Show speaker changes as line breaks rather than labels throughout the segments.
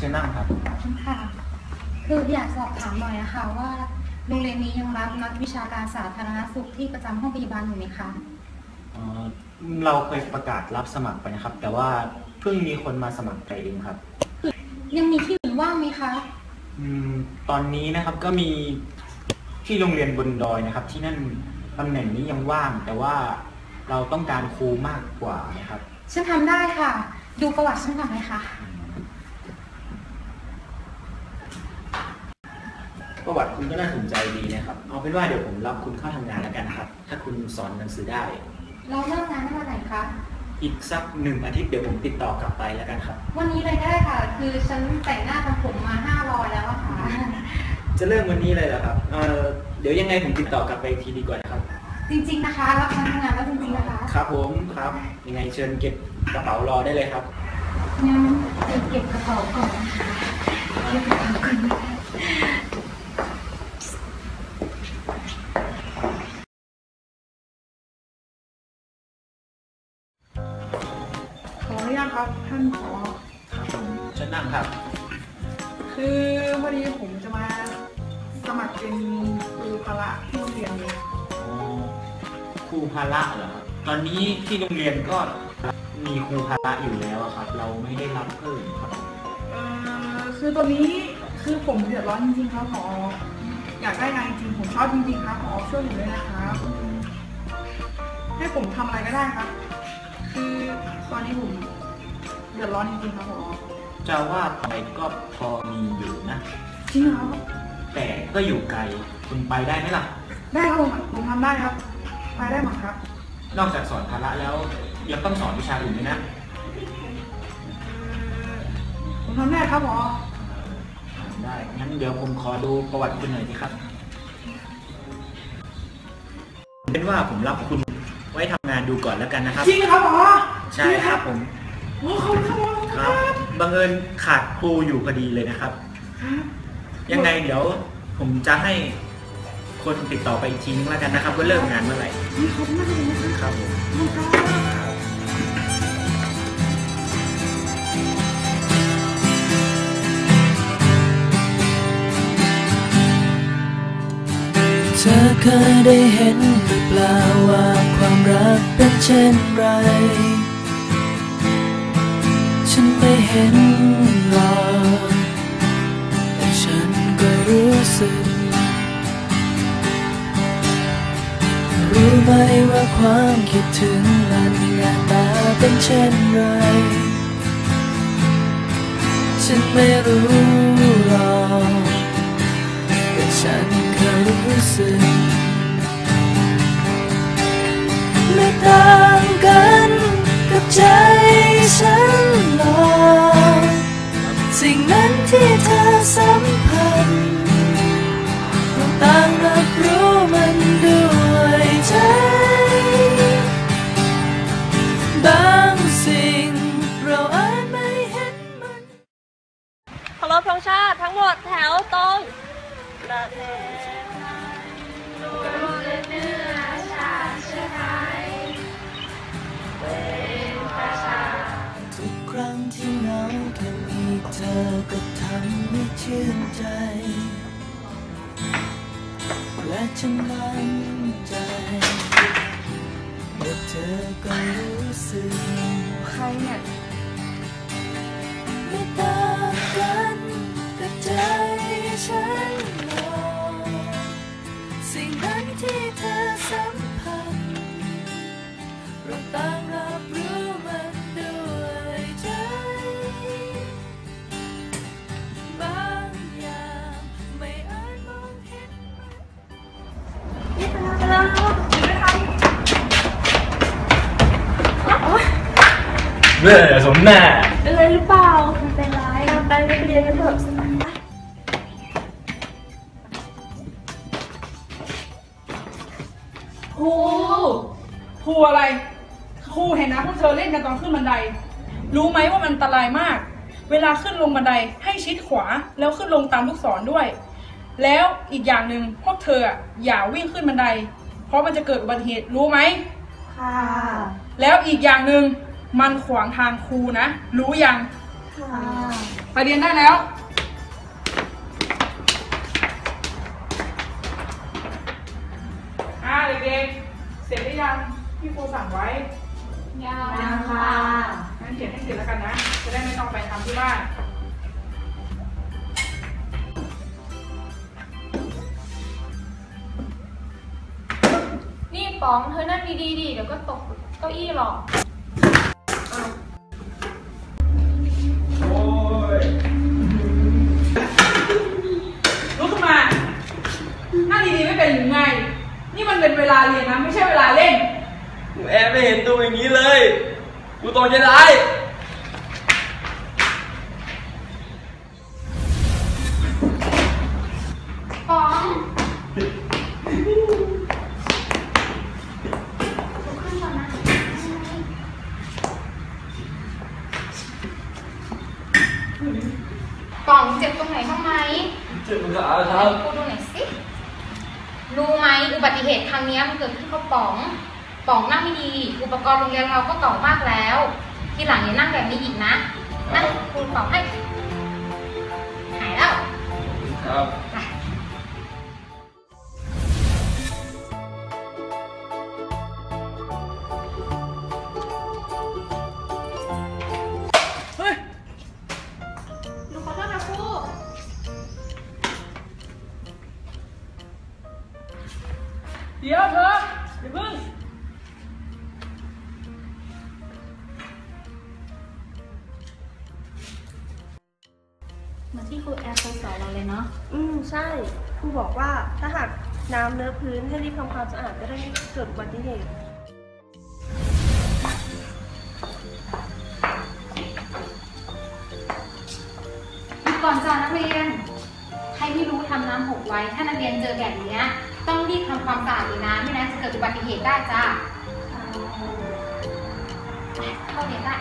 ชิญนั่งครับ
ค่ะคืออยากสอบถามหน่อยนะคะว่าโรงเรียนนี้ยังรับนักวิชาการสาธารณสุขที่ประจำห้องพยาบาลอยู่ไหมคะ
เราเคยประกาศรับสมัครไปนะครับ แต่ว่าเพิ่งมีคนมาสมัครไปเองครับ
ยังมีที่อื่นว่างไหมคะ
ตอนนี้นะครับก็มีที่โรงเรียนบนดอยนะครับ ที่นั่นตำแหน่งนี้ยังว่างแต่ว่าเราต้องการครูมากกว่านะครับ
ฉันทำได้ค่ะดูประวัติฉันก่อนไหมคะ
ประวัติคุณก็น่าสนใจดีนะครับเอาเป็นว่าเดี๋ยวผมรับคุณเข้าทำงานแล้วกันนะครับถ้าคุณสอนหนังสือได้
เราเริ่มงานได้วันไหนคะ
อีกสัก1 อาทิตย์เดี๋ยวผมติดต่อกลับไปแล้วกันครับ
วันนี้เลยได้ค่ะคือฉันแต่งหน้าทำผมมา500แล้วอะค่ะ
จะเริ่มวันนี้เลยเหรอครับเดี๋ยวยังไงผมติดต่อกลับไปทีดีกว่านะครับ
จริงๆนะคะรับทำงานแล้วจริงๆนะคะ
ครับผมครับยังไงเชิญเก็บกระเป๋ารอได้เลยครับ
งั้นเก็บกระเป๋าก่อนนะคะเก็บกระเป๋าก่อน
ขออนุญาตครับท่านผอ.
ครับผมเชิญนั่งครับ
คือพอดีผมจะมาสมัครเป็นครูพละที่โรงเรียนเลย
ครูพละเหรอครับตอนนี้ที่โรงเรียนก็มีครูพละอยู่แล้วครับเราไม่ได้รับเพิ่มครับ
คือตอนนี้คือผมเดือดร้อนจริงๆครับผอ.อยากได้งานจริงผมชอบจริงๆครับผอ.ช่วยผมด้วยนะครับให้ผมทำอะไรก็ได้ครับคือตอนนี้ผมเดือดร้อนจริงๆครับผอ.
จะว่าไปก็พอมีอยู่นะ
จริงครับ
แต่ก็อยู่ไกลคุณไปได้ไหมล่ะ
ได้ครับผมทำได้ครับไปได้หมดครับ
นอกจากสอนพละแล้วยังต้องสอนวิชาอื่นด้วยนะ
ผมทำได้ครับผอ.
ได้งั้นเดี๋ยวผมขอดูประวัติคุณหน่อยสิครับเป็นว่าผมรับคุณไว้ทำงานดูก่อนแล้วกันนะครับ
จริงครับผอ.
ใช่ครับผม
โอ้ขอบคุณครับ
บังเอิญขาดครูอยู่พอดีเลยนะครับยังไงเดี๋ยวผมจะให้คนติดต่อไปอีกทีนึงแล้วกันนะครับว่าเริ่มงานเมื่อไหร่
ขอบคุณมากเลยนะครับ
ผม
เธอเคยได้เห็นหรือเปล่าว่าความรักเป็นเช่นไรฉันไม่เห็นหรอกแต่ฉันก็รู้สึกรู้ไหมว่าความคิดถึงมันหน้าตาเป็นเช่นไรฉันไม่รู้หรอกแต่ฉันก็รู้สึกไม่ต่างกันกับใจฉันหรอกสิ่งนั้นที่เธอสัมผัสเราต่างรับรู้มันด้วยใจบางสิ่งเราอาจไม่เห็นมัน
เคารพธงชาติทั้งหมดแถวตรงประเทศไทยรวมเนื้อชาติเชื้อไทยเป็นประชา
ทุกครั้งที่เหงาแค่มีเธอก็ทำให้ชื่นใจและฉันมั่นใจว่าเธอก็รู้สึก
ใครเนี่ย
ไม่ต่างกันกับใจฉันหรอกสิ่งนั้นที่เธอสัมผัสเราต่างรับรู้มันด้วยใจบางอย่างไม่อาจมองเห็น
นี่เป็นอะไร
เบื่อสมหน้า
เป็นไรหรือเปล่าไม่เป็นไรไปเรียนกันเถอะ
ครูอะไรครูเห็นนะพวกเธอเล่นกันตอนขึ้นบันไดรู้ไหมว่ามันอันตรายมากเวลาขึ้นลงบันไดให้ชิดขวาแล้วขึ้นลงตามลูกศรด้วยแล้วอีกอย่างหนึ่งพวกเธออย่าวิ่งขึ้นบันไดเพราะมันจะเกิดอุบัติเหตุรู้ไหม
ค่ะ
แล้วอีกอย่างหนึ่งมันขวางทางครูนะรู้ยัง
ค่ะ
ไปเรียนได้แล้วเด็กๆเสร็จหรือยังที่ครูสั่งไว้
ยังค่ะ
งั้นเขียนให้เสร็จแล้วกันนะจะได้ไม่ต้องไปทำที่บ้าน
นี่ป๋องเธอนั่งดีๆดิเดี๋ยวก็ตกเก้าอี้หรอก
ลุกขึ้นมานั่งดีๆไม่เป็นหรือไงนี่มันเป็นเวลาเรียนนะไม่ใช่เวลาเล่น
หนูแอบไม่เห็นตัวอย่างนี้เลยกูตรงใจร้าย
ป๋องป๋องเจ็บตรงไหนบ้างไหม
เจ็บขาครับ
พูดดูหน่อยสิรู้ไหมอุบัติเหตุครั้งนี้มันเกิดขึ้นเพราะป๋องนั่งไม่ดีอุปกรณ์โรงเรียนเราก็เก่ามากแล้วทีหลังอย่านั่งแบบนี้อีกนะนั่งครูเป่าให้หายแล้ว
ครับ
เฮ้ย
หนูขอโทษนะครู
เดี๋ยวเธออย่าเพิ่ง
เหมือนที่ครูแอร์เคยสอนเราเลยเนาะ
ใช่ครูบอกว่าถ้าหากน้ำเลอะพื้นให้รีบทำความสะอาดจะได้ไม่เกิดอุบัติเหตุ
ก่อนจ้านักเรียนใครที่รู้ทำน้ำหกไว้ถ้านักเรียนเจอแบบนี้ต้องรีบทำความสะอาดเลยนะไม่งั้นจะเกิดอุบัติเหตุได้จ้าเข้าเรียนได้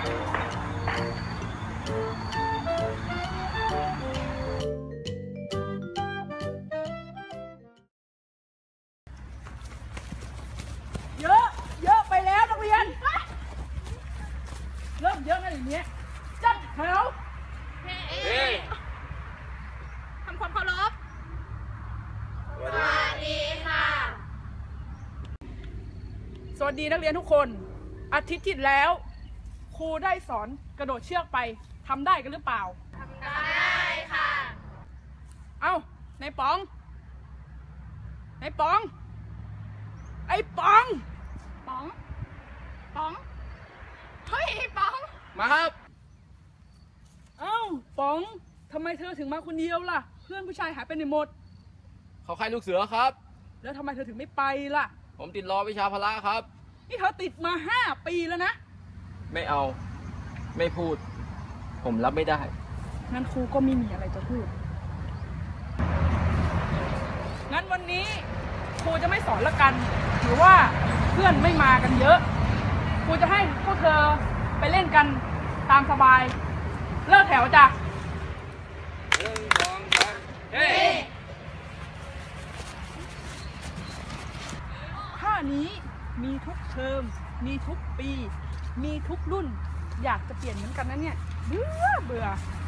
เยอะไปแล้วนักเรียนเริ่มเยอะนะอย่างนี้จัดแถว
ทำความเคารพสวัสดีค่ะ
สวัสดีนักเรียนทุกคนอาทิตย์ที่แล้วครูได้สอนกระโดดเชือกไปทำได้กันหรือเปล่า
ทำได้ค่ะ
เอ้าในป๋องไอ้ป๋องเฮ้ยป๋อง
มาครับ
เอ้าป๋องทำไมเธอถึงมาคนเดียวล่ะเพื่อนผู้ชายหายไปไหนหมด
เขาใครลูกเสือครับ
แล้วทำไมเธอถึงไม่ไปล่ะ
ผมติดรอวิชาพละครับ
นี่เธอติดมา5 ปีแล้วนะ
ไม่เอาไม่พูดผมรับไม่ได้
งั้นครูก็ไม่มีอะไรจะพูดงั้นวันนี้ครูจะไม่สอนละกันหรือว่าเพื่อนไม่มากันเยอะครูจะให้พวกเธอไปเล่นกันตามสบายเลิกแถวจ้ะ
1 2 3เฮ้
ท่านี้มีทุกเทอมมีทุกปีมีทุกรุ่นอยากจะเปลี่ยนเหมือนกันนะเนี่ยเบื่อ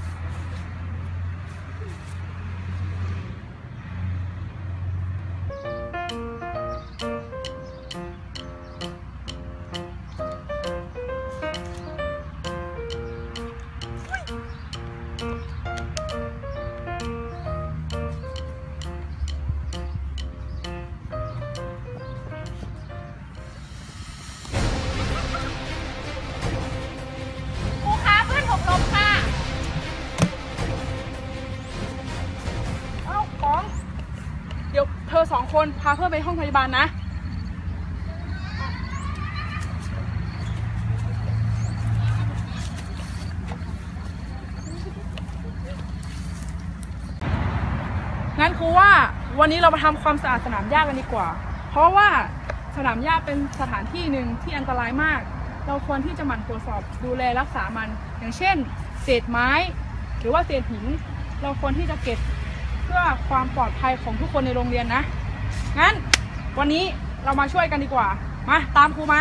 เดี๋ยวเธอ2 คนพาเพื่อนไปห้องพยาบาลนะงั้นครูว่าวันนี้เรามาทำความสะอาดสนามหญ้ากันดีกว่าเพราะว่าสนามหญ้าเป็นสถานที่หนึ่งที่อันตรายมากเราควรที่จะหมั่นตรวจสอบดูแลรักษามันอย่างเช่นเศษไม้หรือว่าเศษหินเราควรที่จะเก็บเพื่อความปลอดภัยของทุกคนในโรงเรียนนะงั้นวันนี้เรามาช่วยกันดีกว่ามาตามครูมา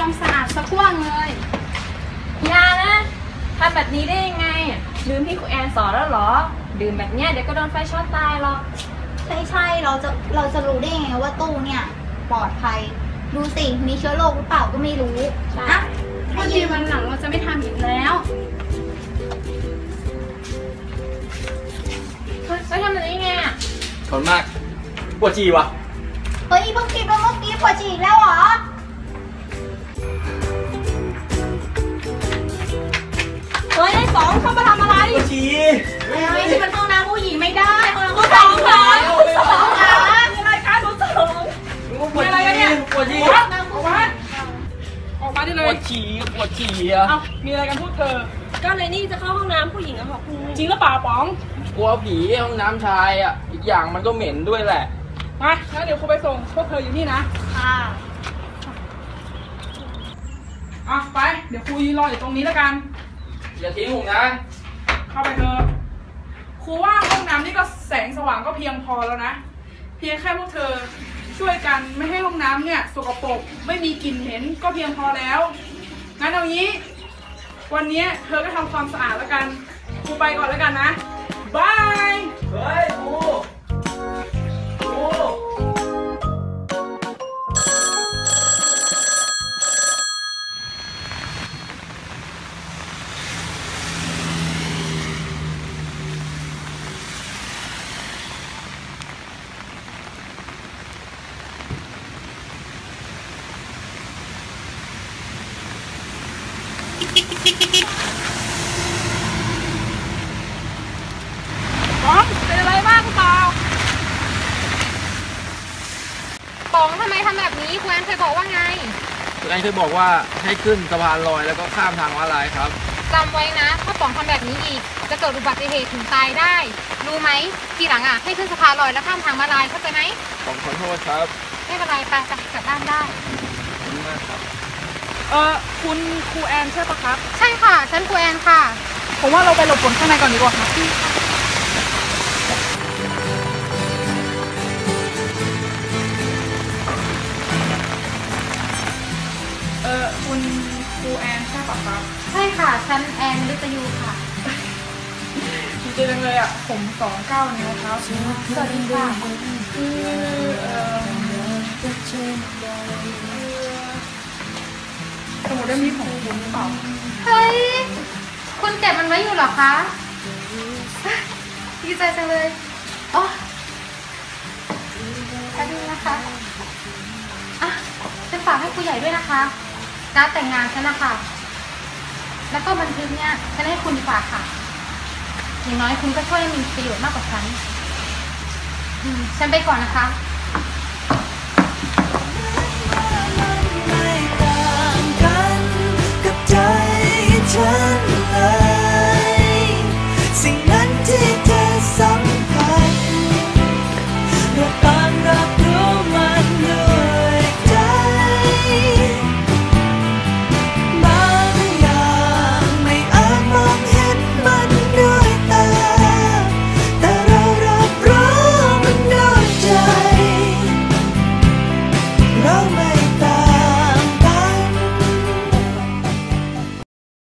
ความสะอาดสักว่างเลย
อย่านะทำแบบนี้ได้ยังไงลืมที่ครูแอนสอนแล้วเหรอ ดื่มแบบเนี้ยเดี๋ยวก็โดนไฟช็อตตายหรอก
ใช่เราจะรู้ได้ยังไงว่าตู้เนี่ยปลอดภัย ดูสิมีเชื้อโรคหรือเปล่าก็ไม่รู้
ใช่
นะ
พอดีวันหลังเราจะไม่ทำอีกแล้ว
แล้วทำแบบนี้ไงอะ
ทนมากปวดจีวะ
เฮ้ยเพิ่งคิดว่าเมื่อกี้ปวดฉี่อีกแล้วเหรอ
เฮ้ยไอ้สองเข้ามาทำอะไร
ปวดจี
เฮ้ยที่มันห้องน้ำผู้หญิงไม่ได้ห้องน้ำ
กู
ผู้
ส
ชา
อย งเหรอกูสองเหรอ
มีอะไรกันคุณสอง
ปวดจีปวดจี
ออกมาออกมาได้
ป
เล
วย ดจีปวดจีอะ
เอามีอะไรกันพูดเธอ
ก็เลยนี่จะเข้าห้องน้ำผู้หญิงอะค่ะครู
จริงหรือเปล่าป๋อง
กลัวผีห้องน้ำชายอะอีกอย่างมันก็เหม็นด้วยแหละ
มางั้นเดี๋ยวครูไปส่งพวกเธออยู่นี่นะ
ค่ะ
อ่ะไป เดี๋ยวครูยืนรออยู่ตรงนี้แล้วกัน
อย่าทิ้งผมนะ
เข้าไปเถอะครูว่าห้องน้ำนี่ก็แสงสว่างก็เพียงพอแล้วนะ เพียงแค่พวกเธอช่วยกันไม่ให้ห้องน้ำเนี่ยสกปรกไม่มีกลิ่นเหม็นก็เพียงพอแล้ว งั้นเอางี้ วันนี้เธอก็ทำความสะอาดแล้วกัน ครูไปก่อนแล้วกันนะ บาย
เฮ้ยครูครู
ป๋องเป็นอะไรบ้างหรือเปล่า
ป๋องทำไมทำแบบนี้ครูแอนเคยบอกว่าไง
คุณไอ้เคยบอกว่าให้ขึ้นสะพานลอยแล้วก็ข้ามทางม้าลายครับ
จำไว้นะ ถ้าป๋องทำแบบนี้อีก จะเกิดอุบัติเหตุถึงตายได้ รู้ไหม ทีหลังอ่ะ ให้ขึ้นสะพานลอยแล้วข้ามทางม้าลายเข้าใจไหม
ผมขอโทษครับ
ไม่เป็นไรไปกลับบ้านได้
ขอบคุณมากครับ
คุณครูแอนใช่ปะครับ
ใช่ค่ะ ฉันครูแอนค่ะ
ผมว่าเราไปหลบฝนข้างในก่อนดีกว่าครับคุณครูแอนใช่ปะครับ
ใช่ค่ะ ฉันแอนมฤตยูค่ะ
ดีใจจังเลยอ่ะ ผม29นิ้วครับ
สวัสดีค่ะ
คือสมุดเล่มนี้ของคุณหรือเปล่า
เฮ้ย คุณเก็บมันไว้อยู่เหรอคะดีใจจังเลยอ๋อแป๊บนึงนะคะอ่ะฉันฝากให้ครูใหญ่ด้วยนะคะ การดแต่งงานฉันนะคะ แล้วก็บันทึกเนี่ยฉันให้คุณดีกว่าค่ะ อย่างน้อยคุณก็ช่วยมีประโยชน์มากกว่าฉัน ฉันไปก่อนนะคะ